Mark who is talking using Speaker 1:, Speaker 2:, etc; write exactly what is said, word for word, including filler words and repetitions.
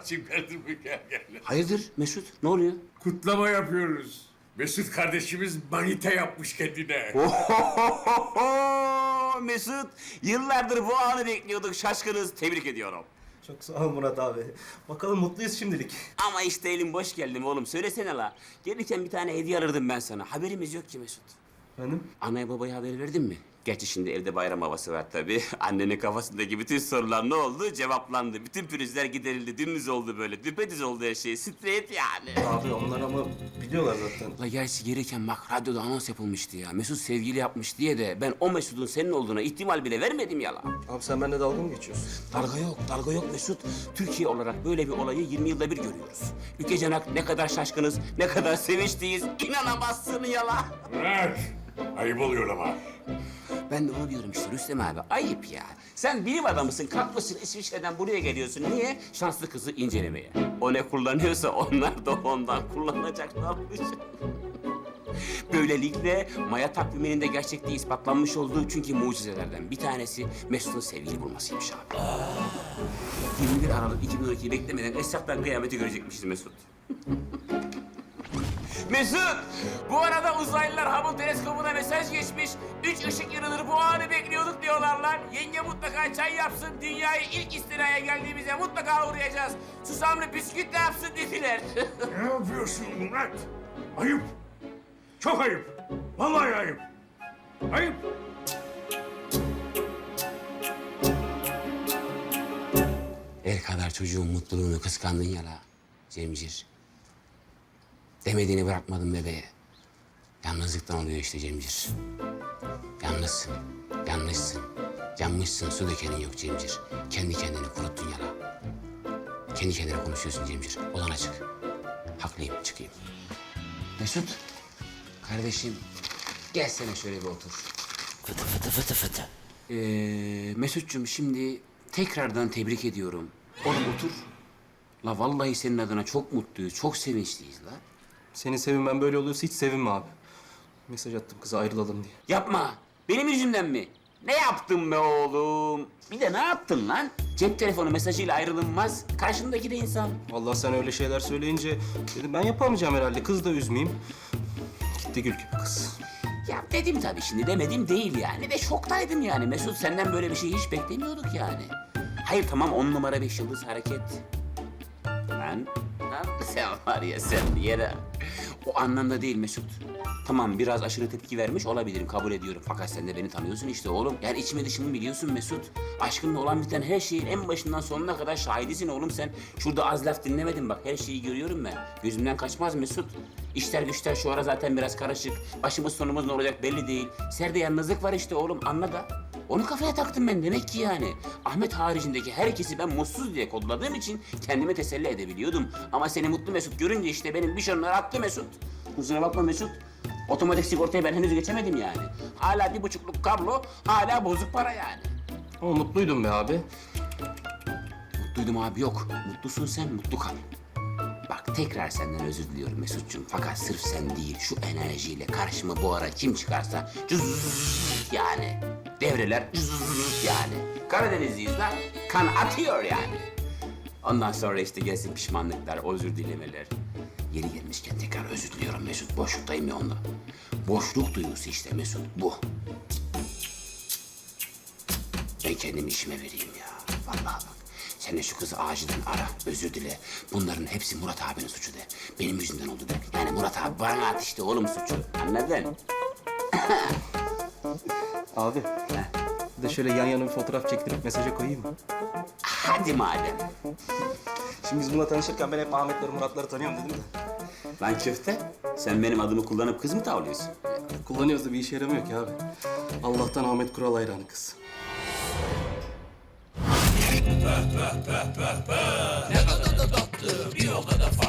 Speaker 1: Muratçığım geldim mi? Gel gel.
Speaker 2: Hayırdır Mesut? Ne oluyor?
Speaker 1: Kutlama yapıyoruz. Mesut kardeşimiz manita yapmış kendine.
Speaker 2: Mesut, yıllardır bu anı bekliyorduk. Şaşkınız. Tebrik ediyorum.
Speaker 3: Çok sağ ol Murat abi. Bakalım mutluyuz şimdilik.
Speaker 2: Ama işte elim boş geldim oğlum. Söylesene la. Gelirken bir tane hediye alırdım ben sana. Haberimiz yok ki Mesut.
Speaker 3: Efendim?
Speaker 2: Anaya babaya haber verdin mi? Gerçi şimdi evde bayram havası var tabii. Annenin kafasındaki bütün sorular ne oldu? Cevaplandı. Bütün pürüzler giderildi. Dümdüz oldu böyle. Düpedüz oldu her şey. Straight yani.
Speaker 3: Abi onlar ama biliyorlar zaten.
Speaker 2: La gerçi gelirken bak radyoda anons yapılmıştı ya. Mesut sevgili yapmış diye de ben o Mesut'un senin olduğuna ihtimal bile vermedim ya la.
Speaker 3: Abi sen benimle dalga mı geçiyorsun?
Speaker 2: Dalga yok, dalga yok Mesut. Türkiye olarak böyle bir olayı yirmi yılda bir görüyoruz. Ülkecenak ne kadar şaşkınız, ne kadar sevinçliyiz. İnanamazsın ya la.
Speaker 1: Murat, ayıp oluyor ama.
Speaker 2: Ben de onu diyorum işte Rüstem abi. Ayıp ya. Sen bilim adamısın, kalkmışsın İsviçre'den buraya geliyorsun. Niye? Şanslı kızı incelemeye. O ne kullanıyorsa onlar da ondan kullanacaklarmış. Böylelikle Maya takviminin de gerçekliği ispatlanmış olduğu çünkü mucizelerden bir tanesi Mesut'un sevgili bulmasıymış abi. yirmi bir Aralık iki bin on ikiyi beklemeden Esraf'tan kıyameti görecekmişiz Mesut. Mesut! Bu arada uzaylılar Hubble teleskobuna mesaj geçmiş. Üç ışık yılıdır bu anı bekliyorduk diyorlar lan. Yenge mutlaka çay yapsın. Dünyayı ilk istilaya geldiğimizde mutlaka uğrayacağız. Susamlı bisküvit de yapsın dediler.
Speaker 1: Ne yapıyorsun Murat? Ayıp. Çok ayıp. Vallahi ayıp. Ayıp.
Speaker 2: El kadar çocuğun mutluluğunu kıskandın ya la Cemcir. Demediğini bırakmadım bebeğe. Yalnızlıktan oluyor işte Cemcir. Yalnızsın, yanlışsın, yanmışsın, su dökenin yok Cemcir. Kendi kendini kuruttun ya la. Kendi kendine konuşuyorsun Cemcir. Olan açık. Haklıyım, çıkayım. Mesut, kardeşim gelsene şöyle bir otur.
Speaker 4: Fıtı fıtı fıtı fıtı.
Speaker 2: Ee, Mesut'cum şimdi tekrardan tebrik ediyorum. Oğlum otur. La vallahi senin adına çok mutluyuz, çok sevinçliyiz la.
Speaker 3: Senin sevinmen böyle oluyorsa hiç sevinme abi. Mesaj attım kıza ayrılalım diye.
Speaker 2: Yapma. Benim yüzümden mi? Ne yaptın be oğlum? Bir de ne yaptın lan? Cep telefonu mesajıyla ayrılınmaz. Karşındaki de insan.
Speaker 3: Vallahi sen öyle şeyler söyleyince dedim ben yapamayacağım herhalde. Kız da üzmeyeyim. Gitti gül gibi kız.
Speaker 2: Ya dedim tabii şimdi demedim değil yani. De şoktaydım yani. Mesut senden böyle bir şey hiç beklemiyorduk yani. Hayır tamam on numara beş yıldız hareket. Lan lan sen var ya sen yere. O anlamda değil Mesut. Tamam biraz aşırı tepki vermiş olabilirim kabul ediyorum. Fakat sen de beni tanıyorsun işte oğlum. Yani içimi dışımı biliyorsun Mesut. Aşkınla olan biten her şeyin en başından sonuna kadar şahidisin oğlum sen. Şurada az laf dinlemedin bak her şeyi görüyorum ben. Gözümden kaçmaz Mesut. İşler güçler şu ara zaten biraz karışık. Başımız sonumuz ne olacak belli değil. Serde yalnızlık var işte oğlum anla da. Onu kafaya taktım ben demek ki yani. Ahmet haricindeki herkesi ben mutsuz diye kodladığım için kendime teselli edebiliyordum. Ama seni mutlu Mesut görünce işte benim bir şunlar attı Mesut. Kusura bakma Mesut. Otomatik sigortayı ben henüz geçemedim yani. Hala bir buçukluk kablo, hala bozuk para yani.
Speaker 3: Ama mutluydum be abi.
Speaker 2: Mutluydum abi yok. Mutlusun sen, mutlu kal. Bak tekrar senden özür diliyorum Mesut'cum. Fakat sırf sen değil, şu enerjiyle karşıma bu ara kim çıkarsa cüzzz yani. Devreler cüzzz yani. Karadenizliyiz lan, kan atıyor yani. Ondan sonra işte gelsin pişmanlıklar, özür dilemeler. Yeri gelmişken tekrar özür diliyorum Mesut. Boşluktayım ya ondan. Boşluk duygusu işte Mesut bu. Ben kendimi işime vereyim ya. Vallahi bak. Sen de şu kızı acilen ara, özür dile. Bunların hepsi Murat abinin suçu de. Benim yüzümden oldu de. Yani Murat abi bana at işte oğlum suçu. Anladın?
Speaker 3: Abi. Bir de şöyle yan yana bir fotoğraf çektirip mesaja koyayım mı?
Speaker 2: Hadi madem.
Speaker 3: Şimdi biz bununla tanışırken ben hep Ahmetleri, Muratları tanıyorum dedim de.
Speaker 2: Lan köfte, sen benim adımı kullanıp kız mı tavlıyorsun?
Speaker 3: Kullanıyoruz da bir işe yaramıyor ki abi. Allah'tan Ahmet Kural hayranı kız.
Speaker 4: Ne kadar da tatlı, bir o kadar farklı.